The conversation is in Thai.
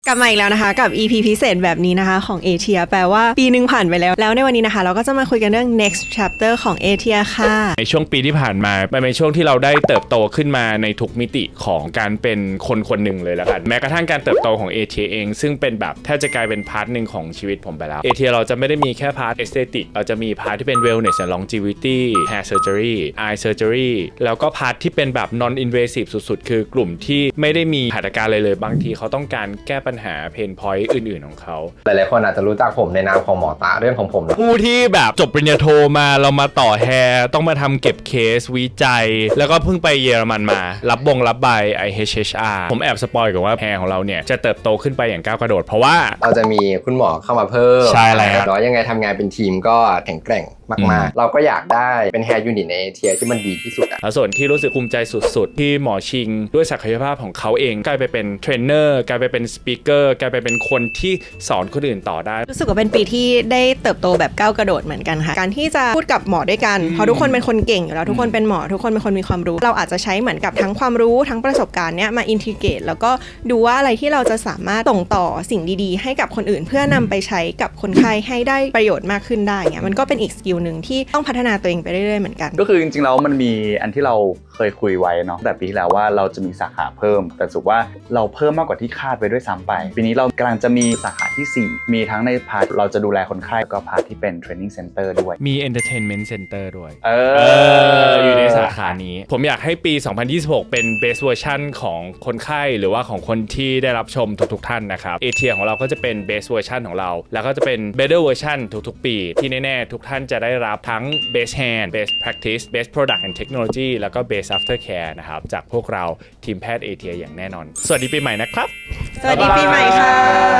กลับมาอีกแล้วนะคะกับ EP พิเศษแบบนี้นะคะของ ATIA แปลว่าปีนึงผ่านไปแล้วในวันนี้นะคะเราก็จะมาคุยกันเรื่อง next chapter ของ ATIA ค่ะในช่วงปีที่ผ่านมามันเป็นช่วงที่เราได้เติบโตขึ้นมาในทุกมิติของการเป็นคนคนหนึ่งเลยแล้วกันแม้กระทั่งการเติบโตของ ATIA เองซึ่งเป็นแบบแทบจะกลายเป็นพาร์ทหนึ่งของชีวิตผมไปแล้ว ATIA เราจะไม่ได้มีแค่พาร์ท aesthetic เราจะมีพาร์ทที่เป็น wellness and longevity hair surgery eye surgery แล้วก็พาร์ทที่เป็นแบบ non invasive สุดๆคือกลุ่มที่ไม่ได้มีหัตถการเลยบางทีเขาต้องการแก้ปัญหาเพนพอยต์อื่นๆของเขาหลายๆคนอาจจะรู้จักผมในนามของหมอตาเรื่องของผมผู้ที่แบบจบปริญญาโทมาเรามาต่อแฮร์ต้องมาทำเก็บเคสวิจัยแล้วก็เพิ่งไปเยอรมันมารับใบ IHHR ผมแอบสปอยกับว่าแฮร์ของเราเนี่ยจะเติบโตขึ้นไปอย่างก้าวกระโดดเพราะว่าเราจะมีคุณหมอเข้ามาเพิ่มใช่แล้วแล้วยังไงทำงานเป็นทีมก็แข็งแกร่งมากๆเราก็อยากได้เป็นแฮร์ยูนิตในเทียที่มันดีที่สุดอะแล้วส่วนที่รู้สึกภูมิใจสุดๆที่หมอชิงด้วยศักยภาพของเขาเองกลายไปเป็นเทรนเนอร์กลายไปเป็นสปีกเกอร์กลายไปเป็นคนที่สอนคนอื่นต่อได้รู้สึกว่าเป็นปีที่ได้เติบโตแบบก้าวกระโดดเหมือนกันค่ะการที่จะพูดกับหมอด้วยกันเพราะทุกคนเป็นคนเก่งอยู่แล้วทุกคนเป็นหมอทุกคนเป็นคนมีความรู้เราอาจจะใช้เหมือนกับทั้งความรู้ทั้งประสบการณ์เนี้ยมาอินทิเกรตแล้วก็ดูว่าอะไรที่เราจะสามารถส่งต่อสิ่งดีๆให้กับคนอื่นเพื่อนำไปใช้กับคนไข้ให้ได้ประโยชน์มากขึ้นได้เงี้ยมันก็เป็นอีกสกิลนึงที่ต้องพัฒนาตัวเองไปเรื่อยๆเหมือนกันก็คือจริงๆแล้วมันมีอันที่เราเคยคุยไว้เนาะแต่ปีที่แล้วว่าเราจะมีสาขาเพิ่มแต่สุดว่าเราเพิ่มมากกว่าที่คาดไปด้วยซ้ำไปปีนี้เรากำลังจะมีสาขาที่4มีทั้งในพาร์ทเราจะดูแลคนไข้แล้วก็พาร์ทที่เป็น training center ด้วยมี entertainment center ด้วยออยู่ในสาขานี้ผมอยากให้ปี 2026 เป็น best version ของคนไข้หรือว่าของคนที่ได้รับชมทุกๆท่านนะครับ ATIA ของเราก็จะเป็น best version ของเราแล้วก็จะเป็น better version ทุกๆปีที่แน่ๆทุกท่านจะได้รับทั้ง best hand best practice best product and technology แล้วก็ best aftercare นะครับจากพวกเราทีมแพทย์ ATIA อย่างแน่นอนสวัสดีปีใหม่นะครับสวัสดีปีใหม่ค่ะ